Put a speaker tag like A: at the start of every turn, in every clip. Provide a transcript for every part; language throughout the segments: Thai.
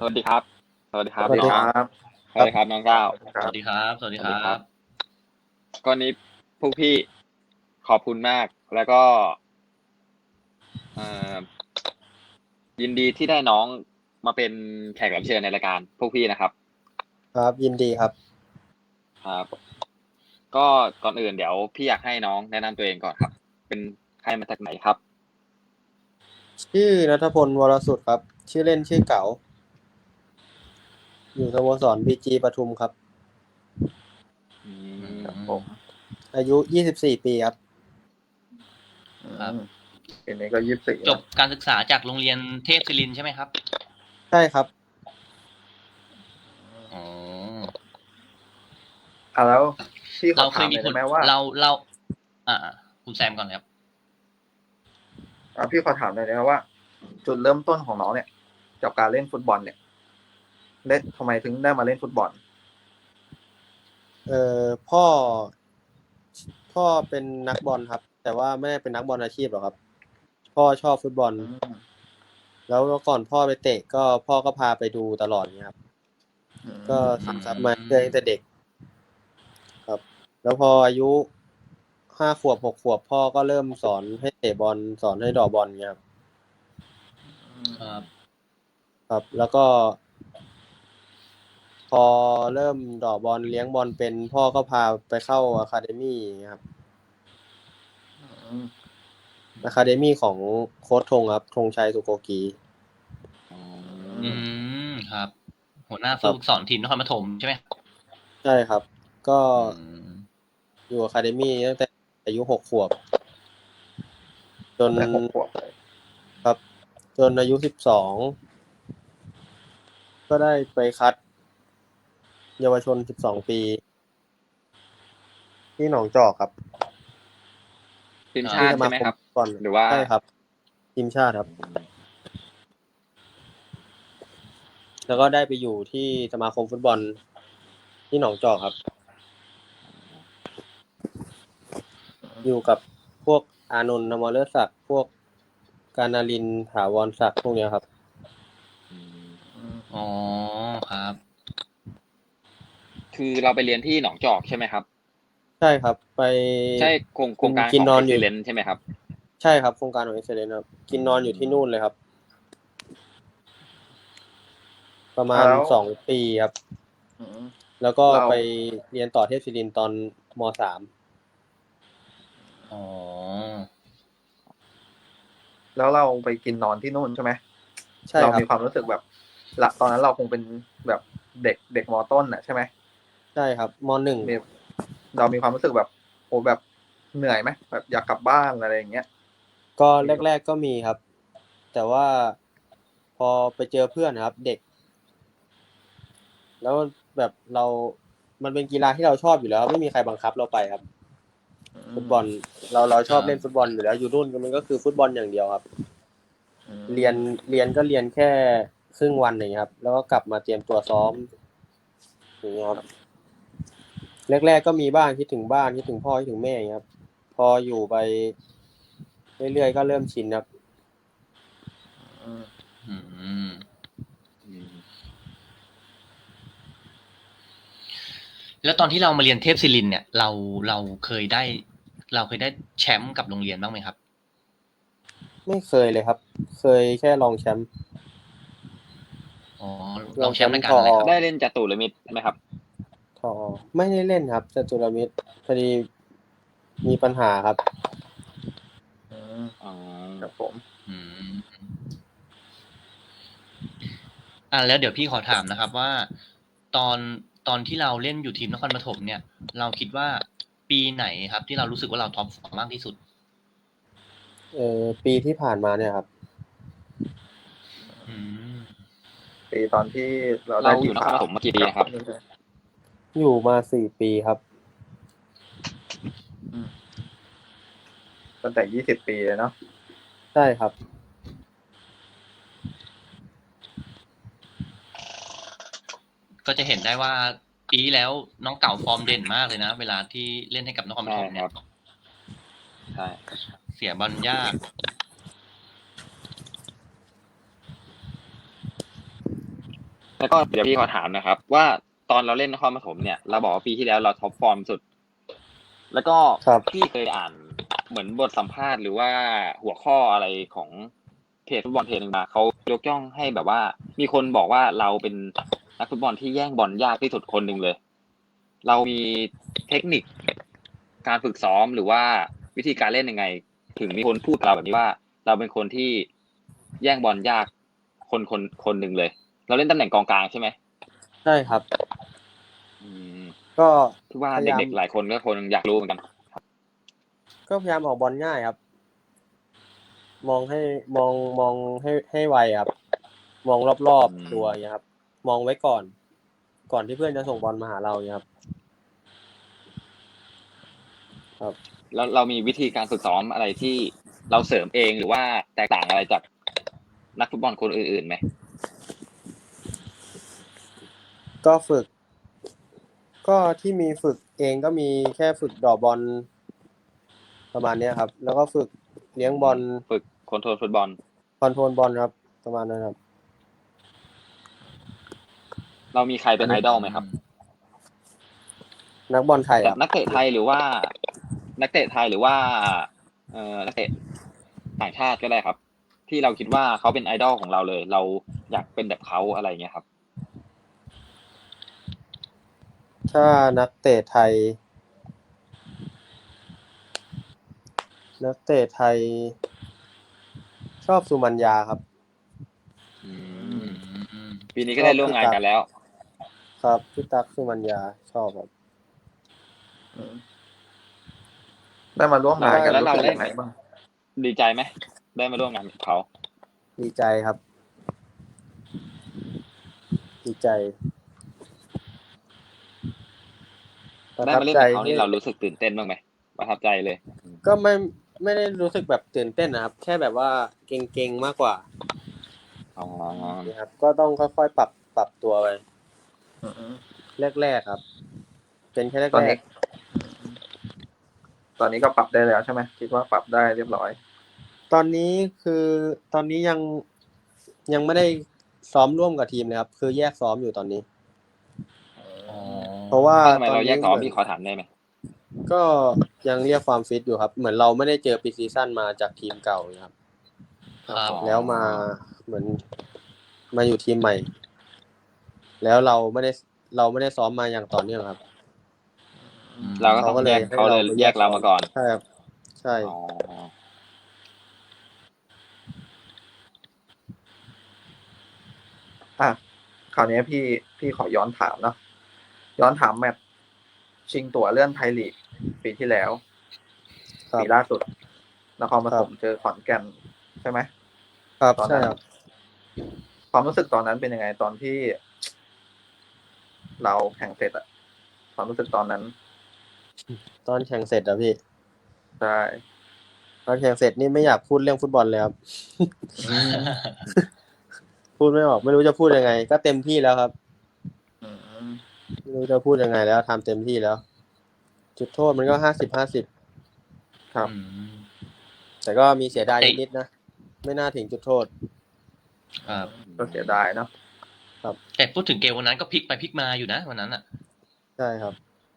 A: สวัสดีครับสวัสดีครั
B: ส
A: บน้อง
B: วัสดีครับ
A: สวัสดีครับน้องก้าว
B: ครับ
C: สวัสดีครับสวัสดีครั
A: สวัสดีครับ
C: บ
A: ก็นี้พวกพี่ขอบคุณมากแล้วก็เอ่อยินดีที่ได้น้องมาเป็นแขกรับเชิญในรายการพวกพี่นะครับ
B: ครับยินดีครับ
A: ครับก็ก่อนอื่นเดี๋ยวพี่อยากให้น้องแนะนำตัวเองก่อนครับเป็นใครมาจากไหนครับ
B: ชื่อณัฐพลวรสุดครับชื่อเล่นชื่อเก๋าอยู่สโมสรบีจีปทุมครับ
A: อืม
C: ครับ
B: ผม อายุ24ปีครับ
C: ครับ
D: ปีนี้ก็24
C: จบการศึกษาจากโรงเรียนเทพศิรินทร์ใช่ไหมครับ
B: ใช่ครับ
C: อ๋อ
D: แล้วพี่ขอ
C: เราเค
D: ถาม
C: ย
D: ห
C: มี
D: น่อย
C: ผล
D: ได้ไหมว่า
C: เราคุณแซมก่อนเลยครับ
D: พี่ขอถามหน่อยได้ไหมว่า จุดเริ่มต้นของน้องเนี่ยกับการเล่นฟุตบอลเนี่ยทำไมถึงได้มาเล่นฟุตบอล
B: เอ่อพ่อพ่อเป็นนักบอลครับ แต่ว่าไม่ได้เป็นนักบอลอาชีพหรอกครับพ่อชอบฟุตบอล แล้วก่อนพ่อไปเตะก็พ่อก็พาไปดูตลอดเนี่ยครับก็ซึมซับมาตั้งแต่เด็กครับ แล้วพออายุ5 ขวบ6 ขวบพ่อก็เริ่มสอนให้เตะบอลสอนให้เดอกบอลเนี่ยครับ
C: ครับ
B: ครับ แล้วก็ พอเริ่มเดอกบอลเลี้ยงบอลเป็นพ่อก็พาไปเข้าอะคาเดมี่ครับอะคาเดมี่ของโค้ชธงครับธงชัยสุโกกี
C: ครับ หัวหน้าผู้ฝึกสอนทีมนครปฐมใช่ไหม
B: ใช่ครับ ก็
C: อืม
B: อยู่อะคาเดมี่ตั้งแต่อายุ6 ขวบ จน
D: แต่6 ขวบเลย
B: ครับ จนอายุ12ก็ได้ไปคัด เยาวชน12ปีที่หนองจอกครับ
A: ทีมชาติใช่ไหมครับ
B: ก่อน
A: หรือว่า
B: ใช่ครับทีมชาติครับ แล้วก็ได้ไปอยู่ที่สมาคมฟุตบอลที่หนองจอกครับ อยู่กับพวกอานนท์ นมฤศักดิ์พวกกานารินทร์ ถาวรศักดิ์พวกเนี้ยครับ
C: อ๋อครับ
A: คือเราไปเรียนที่หนองจอกใช่ไหมครับ
B: ใช่ครับ ไป
A: ใช่โครงการ
B: กิ
A: ข
B: น
A: อง
B: นอนอยู่
A: Excellence ใช่ไหมครับ
B: ใช่ครับโครงการของ Excellence ครับ กินนอนอยู่ที่นู่นเลยครับ ประมาณ
D: แล้ว
B: 2 ปีครับ
D: อืม
B: แล้วก็
D: เรา
B: ไปเรียนต่อเทพศิรินทร์ตอนม.3
C: อ๋อ
D: แล้วเราไปกินนอนที่นู่นใช่ไหม
B: ใช่
D: เรา
B: ครับ
D: มีความรู้สึกแบบตอนนั้นเราคงเป็นแบบเด็กม.ต้นน่ะใช่ไหม
B: ใช่ครับม.1
D: เรามีความรู้สึกแบบโอ้แบบเหนื่อยไหมแบบอยากกลับบ้านอะไรอย่างเงี้ย
B: ก็แรกๆก็มีครับ แต่ว่าพอไปเจอเพื่อนนะครับ เด็ก แล้วแบบมันเป็นกีฬาที่เราชอบอยู่แล้ว ไม่มีใครบังคับเราไปครับ ฟุตบอลเราชอบเล่นฟุตบอลอยู่แล้วอยู่นู่นมันก็คือฟุตบอลอย่างเดียวครับ เรียนก็เรียนแค่ครึ่งวันอย่างเงี้ยครับ แล้วก็กลับมาเตรียมตัวซ้อมอย่างเงี้ยครับแรกๆก็มีบ้างคิดถึงบ้านคิดถึงพ่อคิดถึงแม่อย่างเงี้ยครับ พออยู่ไปเรื่อยๆก็เริ่มชินครับ
C: อืม แล้วตอนที่เรามาเรียนเทพศิรินทร์เนี่ยเราเคยได้แชมป์กับโรงเรียนบ้างไหมครับ
B: ไม่เคยเลยครับ เคยแค่รองแชมป์
C: อ๋อลองแชมป์รายการอะไรครับ
A: ได้เล่นจตุรมิตรไหมครับ
B: ทอไม่ได้เล่นครับจตุรมิตรพอดีมีปัญหาครับ
A: อ๋อ
D: ครับผม
C: อืมแล้วเดี๋ยวพี่ขอถามนะครับว่าตอนที่เราเล่นอยู่ทีมนครปฐมเนี่ย เราคิดว่าปีไหนครับที่เรารู้สึกว่าเราท็อปฟอร์มมากที่สุด
B: ปีที่ผ่านมาเนี่ยครับ
C: อืม
D: ปีตอนที่เรา
A: เรา
D: ได้
A: อยู่นครปฐมมากี่ปีนะครับ
B: อยู่มา4 ปีครับ
D: ตั้งแต่20 ปีเลยเนาะ
B: ใช่ครับ
C: ก็จะเห็นได้ว่าปีที่แล้วน้องเก่าฟอร์มเด่นมากเลยนะ เวลาที่เล่นให้กับนครป
A: ใช่
C: ฐม
A: ค
C: เนี่
A: รั
C: ย
A: บ ใช่
C: เสียบอลยาก
B: ค
A: แล้วก็เดี๋ยวพี่ขอถามนะครับ ว่าตอนเราเล่นนครปฐมเนี่ยเราบอกว่าปีที่แล้วเราท็อปฟอร์มสุด แล้วก็
B: ครับ
A: พี่เคยอ่านเหมือนบทสัมภาษณ์หรือว่าหัวข้ออะไรของเพจฟุตบอลเพจหนึ่งมาเขายกย่องให้แบบว่า มีคนบอกว่าเราเป็นนักฟุตบอลที่แย่งบอลยากที่สุดคนหนึ่งเลย เรามีเทคนิคการฝึกซ้อมหรือว่าวิธีการเล่นยังไง ถึงมีคนพูดกับเราแบบนี้ว่า เราเป็นคนที่แย่งบอลยากคนหนึ่งเลย เราเล่นตำแหน่งกองกลางใช่ไหม
B: ใช่ครับ
A: อืม
B: ก็
A: ที่ว่า
B: พยายาม
A: เด็กๆหลายคนก็คงอยากรู้เหมือนกัน
B: ก็พยายามออกบอลง่ายครับ มองให้ไวครับ มองรอบๆตัวอย่างเงี้ยครับ มองไว้ก่อนที่เพื่อนจะส่งบอลมาหาเราอย่างเงี้ยครับ
A: แล้วเรามีวิธีการฝึกซ้อมอะไรที่เราเสริมเองหรือว่าแตกต่างอะไรจากนักฟุตบอลคนอื่นๆไหม
B: ก็ฝึก ก็ที่มีฝึกเองก็มีแค่ฝึกเดอกบอลประมาณเนี้ยครับ แล้วก็ฝึกเลี้ยงบอล
A: ฝึกคอนโทรลฟุตบอล
B: คอนโทรลบอลครับ ประมาณนั้นครับ
A: เรามีใครเป็นไอดอลไหมครับ
B: นักบอลไทย
A: แบ
B: ครับ บ
A: นักเตะไทยหรือว่า นักเตะไทยหรือว่านักเตะต่างชาติก็ได้ครับ ที่เราคิดว่าเขาเป็นไอดอลของเราเลย เราอยากเป็นแบบเขาอะไรเงี้ยครับ
B: ถ้านักเตะไทย ชอบสุมัญญาครับ
A: อืม
C: อืม
A: ปีนี้ก็ได้ร่วมงานกันแล้ว
B: ครับพี่ตั๊กสุมัญญาชอบครับ
D: อืมได้มาร่วมงานกัน
A: แล้ว
D: รู้
A: เรา
D: สึก
A: ได้
D: ยังไงบ้าง
A: ดีใจไหมได้มาร่วมงานกับเขา
B: ดีใจครับ ดีใจประ
A: ได้
B: ทับ
A: มาเล่น
B: ใจ
A: กับเขานี่
B: ที่
A: เรารู้สึกตื่นเต้นบ้างไหมประทับใจเลย
B: ก็ไม่ได้รู้สึกแบบตื่นเต้นนะครับ แค่แบบว่าเก่งๆมากกว่า
A: อ๋อ
B: นะครับ ก็ต้องค่อยๆปรับตัวไป
D: อืม
B: แรกๆครับ เป็นแค่
D: ตอน
B: แร
D: นี้
B: ก
D: ตอนนี้ก็ปรับได้แล้วใช่ไหมคิดว่าปรับได้เรียบร้อย
B: ๆตอนนี้ยังไม่ได้ซ้อมร่วมกับทีมเลยครับ คือแยกซ้อมอยู่ตอนนี้
C: อ๋อ
B: เพราะว่า
A: ทำไม
B: ตอน
A: เราแย
B: นี้
A: กซ้อม
B: เหมือน
A: พี่ขอถามได้ไหม
B: ก็ยังเรียกความฟิตอยู่ครับ เหมือนเราไม่ได้เจอปีซีซั่นมาจากทีมเก่าเลยครับ
C: ครับ
B: แล้วมาเหมือนมาอยู่ทีมใหม่ แล้วเราไม่ได้ซ้อมมาอย่างต่อเนื่องครับ
A: เราก็ต้องแยกเขาเลยแยกเรามาก่อน
B: ใช่ครับ ใช่
A: อ๋อ
D: อ่ะคราวนี้พี่ขอย้อนถามเนาะย้อนถามแมตช์ชิงตั๋วเลื่อนไทยลีกปีที่แล้ว
B: ครับ
D: ปีล่าสุดนครปฐม
B: ครับ
D: เจอขอนแก่นใช่ไหม
B: ครับ
D: ตอน
B: ใช่
D: นั้น
B: ครับ
D: ความรู้สึกตอนนั้นเป็นยังไงตอนที่ เราแข่งเสร็จอะความรู้สึกตอนนั้น
B: ตอนแข่งเสร็จอะพี่
D: ใช่
B: ตอนแข่งเสร็จนี่ไม่อยากพูดเรื่องฟุตบอลเลยครับ พูดไม่ออกไม่รู้จะพูดยังไง ก็เต็มที่แล้วครับ
D: อืม
B: ไม่รู้จะพูดยังไงแล้วทำเต็มที่แล้ว จุดโทษมันก็50-50
D: ครับ
C: อืม
B: แต่ก็มีเสียดายนิดๆนะ ไม่น่าถึงจุดโทษ
C: ครับ
D: ก็เสียดายเนาะ
C: แต่พูดถึงเกมวันนั้นก็พลิกไปพลิกมาอยู่นะวันนั้นอ่ะ
B: ใช่ครับ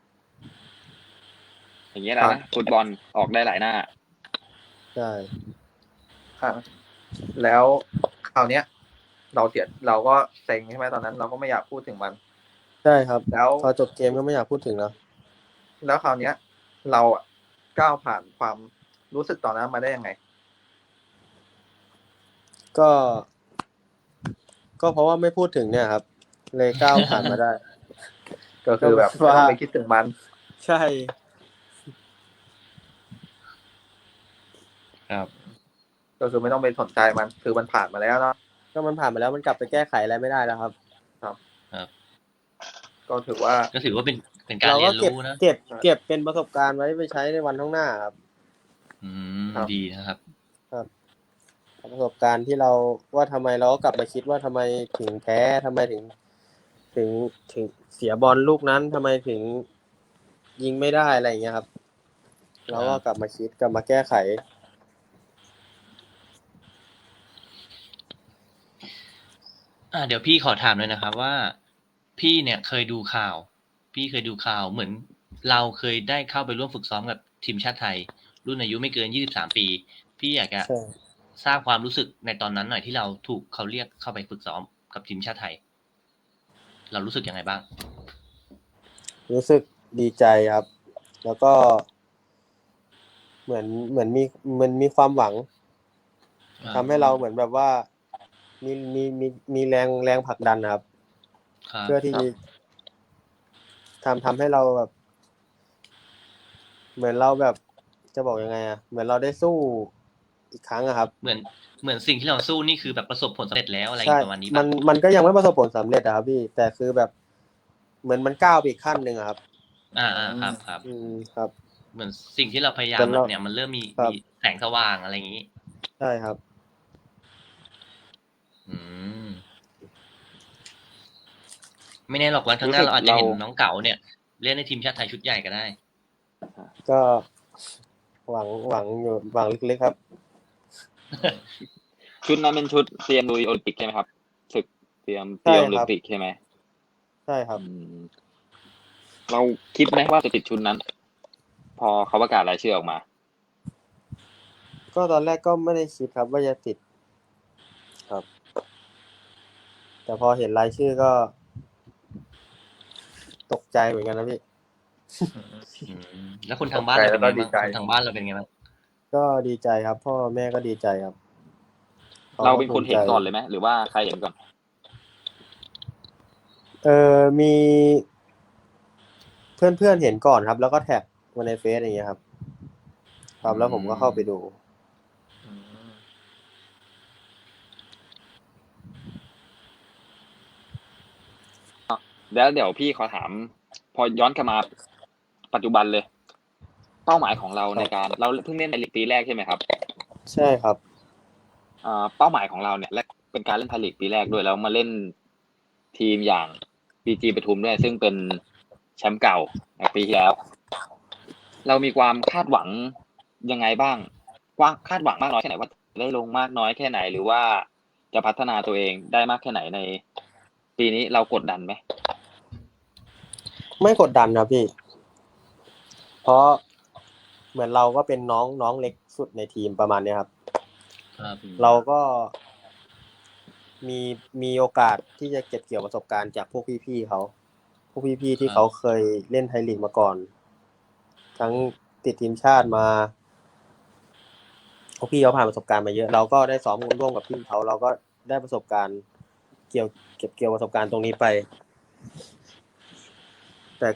A: อย่างเงี้ยแหละนะฟุตบอลออกได้หลายหน้า
B: ใช่
D: อ่ะแล้วคราวเนี้ย เราก็เซ็งใช่ไหมตอนนั้น เราก็ไม่อยากพูดถึงมัน
B: ใช่ครับ
D: แล้ว
B: พอจบเกมก็ไม่อยากพูดถึงแล้ว
D: แล้วคราวเนี้ย เราอะก้าวผ่านความรู้สึกตอนนั้นมาได้ยังไง
B: ก็เพราะว่าไม่พูดถึงเนี่ยครับ เลยก้าวผ่านมาได้
D: ก็คือแบบไม่ต้องไปคิดถึงมัน
B: ใช่
C: ครับ
D: ก็คือไม่ต้องไปสนใจมัน คือมันผ่านมาแล้วเนาะ
B: ก็มันผ่านมาแล้วมันกลับไปแก้ไขอะไรไม่ได้แล้วครับ
D: ก็ถือว่า
C: ก็ถือว่าเป็นการ
B: เรา
C: เรี
B: ก็
C: ยนรู้นะ
B: เก็บเป็นประสบการณ์ไว้ไปใช้ในวันข้างหน้าครับ
C: อืม
D: ครับ
C: ดีนะครับ
B: ประสบการณ์ที่เราว่าทำไมเราก็กลับมาคิดว่าทำไมถึงแพ้ทำไมถึงเสียบอลลูกนั้นทำไมถึงยิงไม่ได้อะไรอย่างเงี้ยครับ เราก็กลับมาคิดกลับมาแก้ไข
C: อเดี๋ยวพี่ขอถามเลยนะครับว่าพี่เนี่ยเคยดูข่าว เหมือนเราเคยได้เข้าไปร่วมฝึกซ้อมกับทีมชาติไทย รุ่นอายุไม่เกิน23 ปี พี่อยากจะ
B: ใช่
C: ทราบความรู้สึกในตอนนั้นหน่อยที่เราถูกเขาเรียกเข้าไปฝึกซ้อมกับทีมชาติไทย เรารู้สึกยังไงบ้าง
B: รู้สึกดีใจครับ แล้วก็เหมือนมีความหวังทำให้เราเหมือนแบบว่ามีแรงผลักดันนะครับ
C: ครับ
B: เพื่อที่
D: ครับ
B: ทำให้เราแบบ เหมือนเราแบบจะบอกยังไงอะเหมือนเราได้สู้อีกครั้งอะครับ
C: เหมือนสิ่งที่เราสู้นี่คือแบบประสบผลสำเร็จแล้วอะไร
B: ใช่
C: ประมาณนี้
B: มั
C: ป่ะ
B: นก็ยังไม่ประสบผลสำเร็จอะครับพี่ แต่คือแบบ เหมือนมันก้าวไปอีกขั้นหนึ่งอะครับ
C: ครับ
B: ครับ
C: เหมือนสิ่งที่เราพยายา
B: แต่
C: ม
B: เรา
C: เนี่ยมันเริ่มมี
B: ครับ
C: แสงสว่างอะไรอย่างนี้
B: ใช่ครับ
C: อืม ไม่แน่หรอกวันข้างหน้า
A: รู้สึก
C: เราอาจจะเห็น
A: เรา
C: น้องเก๋าเนี่ยเล่นในทีมชาติไทยชุดใหญ่ก็ได้
B: ก็หวังอยู่หวังลึกๆครับ
A: ชุดนั้นเป็นชุดเตรียมลุยโอลิมปิกใช่ไหมครับศึกเตรียม
B: ใช่
A: โอ
B: ค
A: ลิ
B: รั
A: ม
B: บ
A: ปิกใช่ไหม
B: ใช่ครับ
A: อืมเราคิดไหมว่าจะติดชุดนั้น พอเขาประกาศรายชื่อออกมา
B: ก็ตอนแรกก็ไม่ได้คิดครับว่าจะติดครับ แต่พอเห็นรายชื่อก็ ตกใจเหมือนกันนะพี่
C: แล้วคนทางบ้านเราเป็นไง
D: แล้วก็ดี
C: บ้าง
D: ใจ
C: คนทางบ้านเราเป็นไงบ้าง
B: ก็ดีใจครับ พ่อแม่ก็ดีใจครับ
A: เราเป็นคน
B: ภูมิ
A: เห็น
B: ใจ
A: ก่อนเลยไหมหรือว่าใครเห็นก่อน
B: มีเพื่อนๆเห็นก่อนครับ แล้วก็แท็กมาในเฟซอย่างเงี้ยครับ ครับแล้วผมก็เข้าไปดู
D: อืม
A: แล้วเดี๋ยวพี่ขอถาม พอย้อนกลับมาปัจจุบันเลย เป้าหมายของเรา
B: ครับ
A: ในการเราเพิ่งเล่นในลีกปีแรกใช่ไหมครับ
B: ใช่ครับ
A: เป้าหมายของเราเนี่ยและเป็นการเล่นไทยลีกปีแรกด้วยแล้วมาเล่นทีมอย่างบีจีปทุมด้วยซึ่งเป็นแชมป์เก่าในปีที่แล้ว เรามีความคาดหวังยังไงบ้างคาดหวังมากน้อยแค่ไหนว่าจะได้ลงมากน้อยแค่ไหน หรือว่าจะพัฒนาตัวเองได้มากแค่ไหนในปีนี้เรากดดันไหม
B: ไม่กดดันครับพี่ เพราะเหมือนเราก็เป็นน้องเล็กสุดในทีมประมาณเนี้ยครับ
C: ครับ
B: เราก็มีโอกาสที่จะเก็บเกี่ยวประสบการณ์จากพวกพี่ๆเขา พวกพี่ๆที่เขาเคยเล่นไทยลีกมาก่อน ทั้งติดทีมชาติมา พวกพี่เขาผ่านประสบการณ์มาเยอะ เราก็ได้ซ้อมร่วมกับพี่เขาเราก็ได้ประสบการณ์เก็บเกี่ยวประสบการณ์ตรงนี้ไป แต่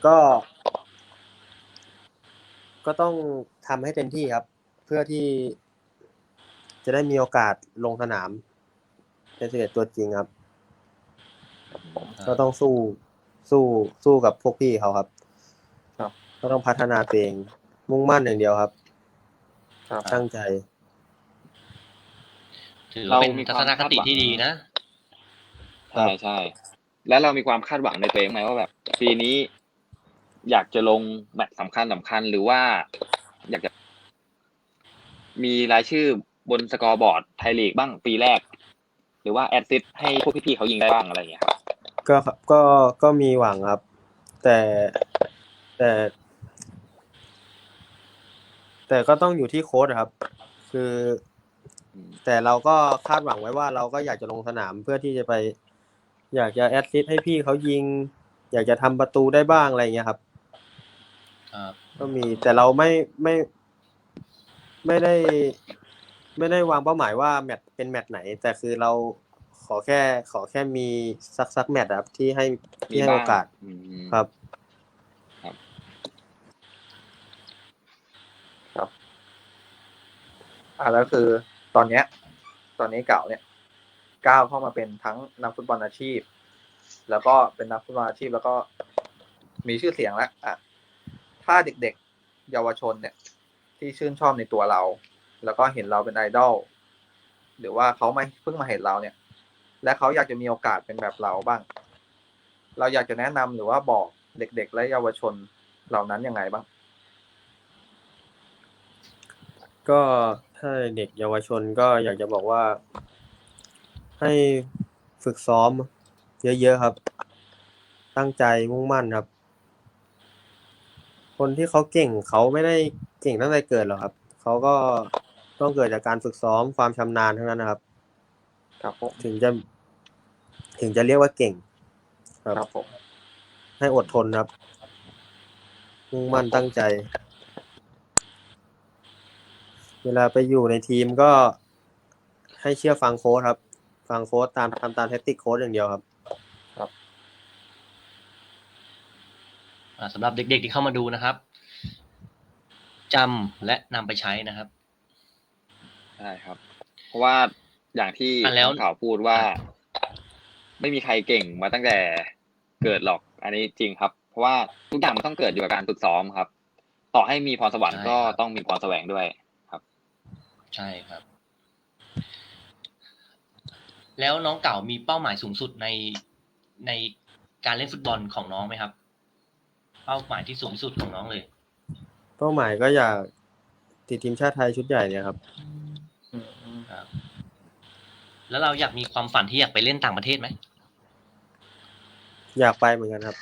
B: ก็ต้องทำให้เต็มที่ครับ เพื่อที่จะได้มีโอกาสลงสนามเป็น11ตัวจริงครับ ก็ต้องสู้กับพวกพี่เขาครับ
D: ครับ
B: ก็ต้องพัฒนาตัวเองมุ่งมั่นอย่างเดียวครับ
D: ครับ
B: ตั้งใจ
C: ถือว่าเป็นทัศนคติที่ดีนะ
A: ใช่แล้วเรามีความคาดหวังในตัวเองไหมว่าแบบปีนี้อยากจะลงแมตช์สำคัญหรือว่าอยากจะมีรายชื่อบนสกอร์บอร์ดไทยลีกบ้างปีแรก หรือว่าแอดซิสต์ให้พวกพี่ๆเขายิงได้บ้างอะไรอย่างเงี้ยครับ
B: ก็มีหวังครับ แต่ก็ต้องอยู่ที่โค้ชครับ คือแต่เราก็คาดหวังไว้ว่าเราก็อยากจะลงสนามเพื่อที่จะไป อยากจะแอสซิสต์ให้พี่เขายิง อยากจะทำประตูได้บ้างอะไรอย่างเงี้ยครับ
C: ครับ
B: ก็มีแต่เราไม่ได้วางเป้าหมายว่าแมตช์เป็นแมตช์ไหน แต่คือเราขอแค่มีสักแมตช์ครับที่ให้
A: มี
B: โอกาส
A: อืม
B: ครับ
D: แล้วคือตอนนี้เก่าเนี่ยก้าวเข้ามาเป็นทั้งนักฟุตบอลอาชีพ แล้วก็เป็นนักฟุตบอลอาชีพแล้วก็มีชื่อเสียงแล้วถ้าเด็กๆเยาวชนเนี่ย ที่ชื่นชอบในตัวเรา แล้วก็เห็นเราเป็นไอดอลหรือว่าเขาไม่เพิ่งมาเห็นเราเนี่ย และเขาอยากจะมีโอกาสเป็นแบบเราบ้าง เราอยากจะแนะนำหรือว่าบอกเด็กๆและเยาวชนเหล่านั้นยังไงบ้าง
B: ก็ถ้าเด็กเยาวชนก็อยากจะบอกว่าให้ฝฝึกซ้อมเยอะๆครับ ตั้งใจมุ่งมั่นครับ คนที่เขาเก่งเขาไม่ได้เก่งตั้งแต่เกิดหรอกครับเขาก็ต้องเกิดจากการฝึกซ้อมความชำนาญทั้งนั้นนะครับ
D: ครับผม
B: ถึงจะเรียกว่าเก่ง ครับ
D: ครับผม
B: ให้อดทนครับ มุ่งมั่นตั้งใจ เวลาไปอยู่ในทีมก็ให้เชื่อฟังโค้ชครับ ฟังโค้ชทำตามแทคติกโค้ชอย่างเดียวครับ
C: สำหรับเด็กๆที่เข้ามาดูนะครับจำและนำไปใช้นะครับ
A: ใช่ครับ เพราะว่าอย่างที่
C: แล้ว
A: น้องข่าวพูดว่า ไม่มีใครเก่งมาตั้งแต่เกิดหรอก อันนี้จริงครับ เพราะว่าทุกอย่างมันต้องเกิดอยู่กับการฝึกซ้อมครับ ต่อให้มีพรสวรรค์ก็ต้องมีพรแสวงด้วยครับ
C: ใช่ครับ แล้วน้องเก่ามีเป้าหมายสูงสุดในการเล่นฟุตบอลของน้องไหมครับ เป้าหมายที่สูงสุดของน้องเลย
B: เป้าหมายก็อยากติดทีมชาติไทยชุดใหญ่เนี่ยครับ
C: ครับ แล้วเราอยากมีความฝันที่อยากไปเล่นต่างประเทศไหม
B: อยากไปเหมือนกันครับ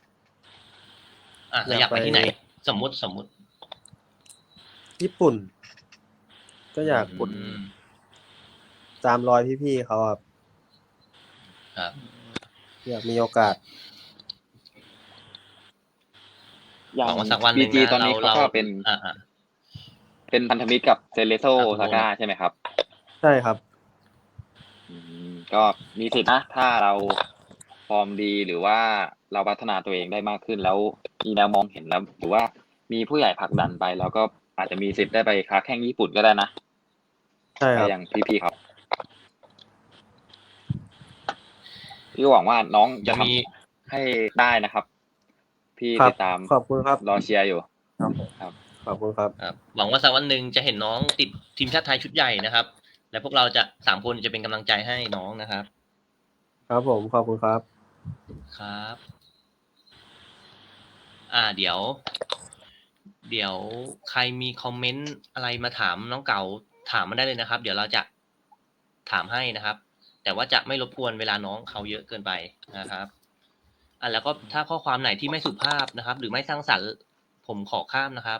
C: เราอยากไปที่ไหน สมมุติ
B: ญี่ปุ่น ก็อยาก
C: อืม
B: ตามรอยพี่ๆเขาครับ
C: ครับ
B: อยากมีโอกาส
A: อย่า
C: ห
A: ง
C: วังว่าสักวันห
A: บี
C: นึ่ง
A: จี
C: นะ
A: ตอนนี้เขา
C: เรา
A: ก็เป็น เป็นพันธมิตรกับเซเลโซ
C: ครับ
A: ซาก้าใช่ไหมครับ
B: ใช่ครับ
A: ก็มีสิทธินะ ถ้าเราฟอร์มดีหรือว่าเราพัฒนาตัวเองได้มากขึ้นแล้วมีแนวมองเห็นแล้ว หรือว่ามีผู้ใหญ่ผลักดันไป แล้วก็อาจจะมีสิทธิ์ได้ไปค้าแข่งญี่ปุ่นก็ได้นะ
B: ใช่ค
A: ก็
B: รับ
A: อย่างพี่ๆครับพี่ก็หวังว่าน้องจะทำให้ได้นะครับ พี่
B: ครับ
A: ติดตาม
B: ขอบคุณครับ
A: รอเชียร์อยู่
D: ครับผม
B: ขอบคุณครับ
C: ครับหวังว่าสักวันหนึ่งจะเห็นน้องติดทีมชาติไทยชุดใหญ่นะครับ และพวกเราจะ3 คนจะเป็นกำลังใจให้น้องนะครับ
B: ครับผม ขอบคุณครับ
C: ครับ เดี๋ยวใครมีคอมเมนต์อะไรมาถามน้องเก่าถามมาได้เลยนะครับ เดี๋ยวเราจะถามให้นะครับ แต่ว่าจะไม่รบกวนเวลาน้องเขาเยอะเกินไปนะครับ แล้วก็ถ้าข้อความไหนที่ไม่สุภาพนะครับ หรือไม่สร้างสรรค์ผมขอข้ามนะครับ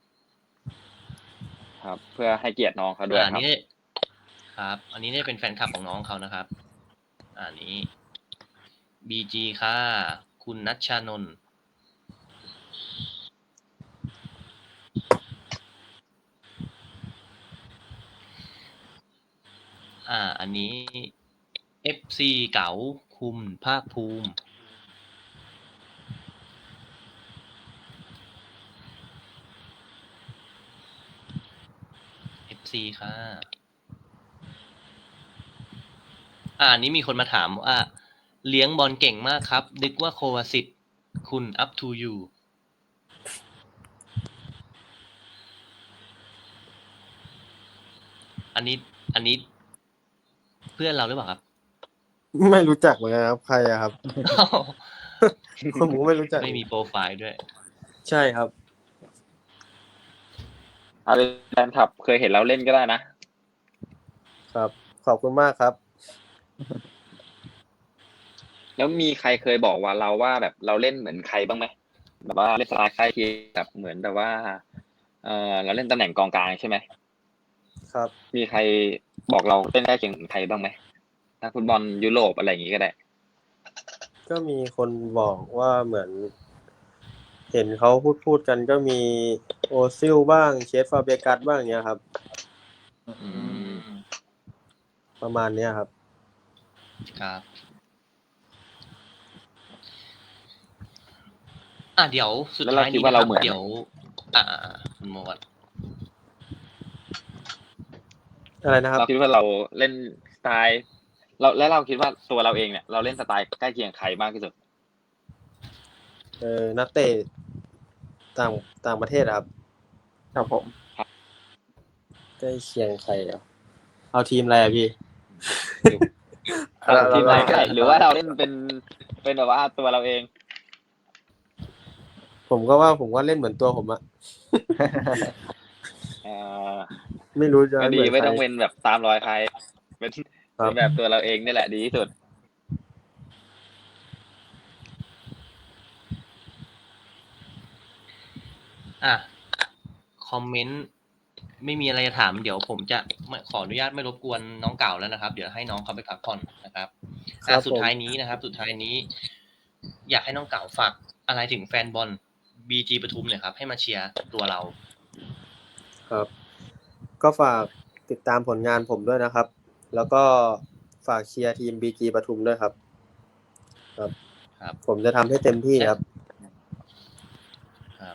A: ครับ เพื่อให้เกียรติน้องเขาด้วย
C: อัน
A: ครับ
C: นี้ครับ อันนี้เนี่ยเป็นแฟนคลับของน้องเขานะครับ อันนี้ BG ค่ะ คุณนัชชานนท์อันนี้ FC เก๋าคุณภาคภูมิ FC ค่ะอันนี้มีคนมาถามว่าเลี้ยงบอลเก่งมากครับนึกว่าโควาสิตคุณ up to you อันนี้เพื่อนเราหรือเปล่าครับ
B: ไม่รู้จักเหมือนกันครับ ใครอะครับ ผมก็ไม่รู้จัก
C: ไม่มีโปรไฟล์ด้วย
B: ใช่ครับ
A: เอาเป็นแฟนคลับเคยเห็นเราเล่นก็ได้นะ
B: ครับ ขอบคุณมากครับ
A: แล้วมีใครเคยบอกว่าเราว่าแบบเราเล่นเหมือนใครบ้างไหมแบบว่าเล่นสไตล์ใกล้เคียงแบบเหมือนแบบว่าเราเล่นตำแหน่งกองกลางใช่ไหม
B: ครับ
A: มีใครบอกเราเล่นใกล้เคียงเหมือนใครบ้างไหมนักฟุตบอลยุโรปอะไรอย่างงี้ก็ได้
B: ก็มีคนบอกว่าเหมือน เห็นเขาพูดกันก็มีโอซิลบ้างเชฟฟาเบกัสบ้างเนี้ยครับ ประมาณเนี้ยครับ
C: ครับ เดี๋ยวสุด
A: แล้วเรา
C: ท้าย
A: คิด
C: นี้
A: ว่า
C: นะค
A: เรา
C: รับ
A: เหมือน
C: เดี๋ยวคุณโมด
B: อะไรนะครับ
A: เราคิดว่าเราเล่นสไตล์เราคิดว่าตัวเราเองเนี่ยเราเล่นสไตล์ใกล้เคียงใครมากที่สุด
B: นักเตะต่างประเทศอะครับ
D: ครับผม
B: ใกล้เคียงใครอ่ะเอาทีมอะไรอะพี่
A: ทีมไหนก็ได้หรือว่าเราเล่นเป็นแบบว่าตัวเราเอง
B: ผมก็เล่นเหมือนตัวผมอะ ไม่รู้จะ
A: ก็ดี
B: เหมือน
A: ไม่
B: ใคร
A: ต้องเป็นแบบตามรอยใครเป็น
B: ครับ
A: แบบตัวเราเองนี่แหละดีที่สุด
C: อ่ะคอมเมนต์ไม่มีอะไรจะถามเดี๋ยวผมจะขออนุญาตไม่รบกวนน้องเก่าแล้วนะครับ เดี๋ยวให้น้องเขาไปพักผ่อนนะครับ
B: ครับ
C: สุดท้ายนี้นะครับ สุดท้ายนี้ อยากให้น้องเก่าฝากอะไรถึงแฟนบอล BG ปทุมหน่อยครับ ให้มาเชียร์ตัวเรา
B: ครับ ก็ฝากติดตามผลงานผมด้วยนะครับ แล้วก็ฝากเชียร์ทีม BG ปทุมด้วยครับ ครับ
C: ครับ
B: ผมจะทำให้เต็มที่ครับ
C: ครับ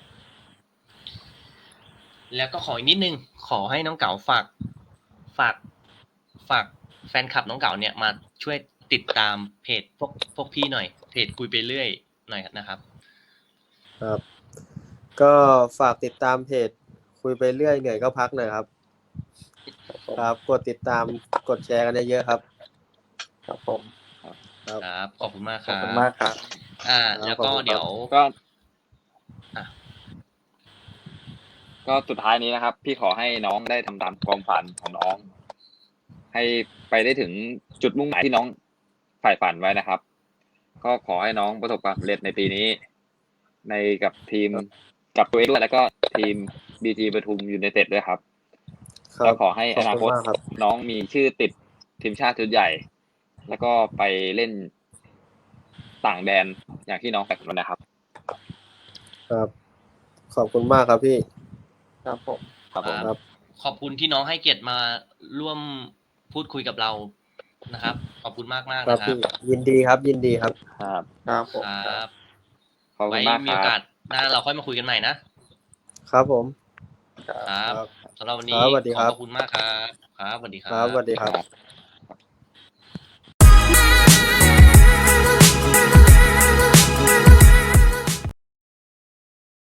C: แล้วก็ขออีกนิดนึง ขอให้น้องเก๋าฝากแฟนคลับน้องเก๋าเนี่ยมาช่วยติดตามเพจพวกพี่หน่อย เพจคุยไปเรื่อยหน่อยนะครับ
B: ครับ ก็ฝากติดตามเพจคุยไปเรื่อยเหนื่อยก็พักหน่อยครับ ครับ กดติดตามกดแชร์กันเยอะๆครับ
D: ครับผม
B: ครับ
C: ครับ ขอบคุณมากค
D: ขอบ
C: รับ
D: คุณมากครับ
C: แล้วก็เดี๋ยว
A: ก็
C: อ่ะ
A: ก็สุดท้ายนี้นะครับ พี่ขอให้น้องได้ทำตามความฝันของน้อง ให้ไปได้ถึงจุดมุ่งหมายที่น้องใฝ่ฝันไว้นะครับ ก็ขอให้น้องประสบความสำเร็จในปีนี้ ในกับทีมกับตัวเองด้วยแล้วก็ทีม BG ปทุมยูไนเต็ดด้วยครับ
B: ครั
A: แล้
B: บ
A: วขอให้อนาคต
B: ขอบคุณมากครับ
A: น้องมีชื่อติดทีมชาติชุดใหญ่ แล้วก็ไปเล่นต่างแดนอย่างที่น้องแต่งไว้นะครับ
B: ครับ ขอบคุณมากครับพี่
D: ครับผม
A: ครับผม
B: ครับ
C: ขอบคุณที่น้องให้เกียรติมาร่วมพูดคุยกับเรานะครับ ขอบคุณมากมากๆ
B: ครับ
C: นะครับ
B: พี่ยินดีครับ ยินดีครับ
A: ครับ
D: ครับผม
C: ครับ
A: ขอบคุ
C: ไว้
A: ณมาก
C: มี
A: ค
C: โอ
A: รั
C: กา
A: บ
C: สหน้าเราค่อยมาคุยกันใหม่นะครับ
B: ผม
C: ครับ
B: ครับ
C: สำหรับวัน
B: ค
C: นี้
B: รับสวัสดี
C: ข
B: ครั
C: อ
B: บบ
C: ขอบคุณมากครับครับสวัสดีค
B: ค
C: รั
B: รับ สวัสดีครับ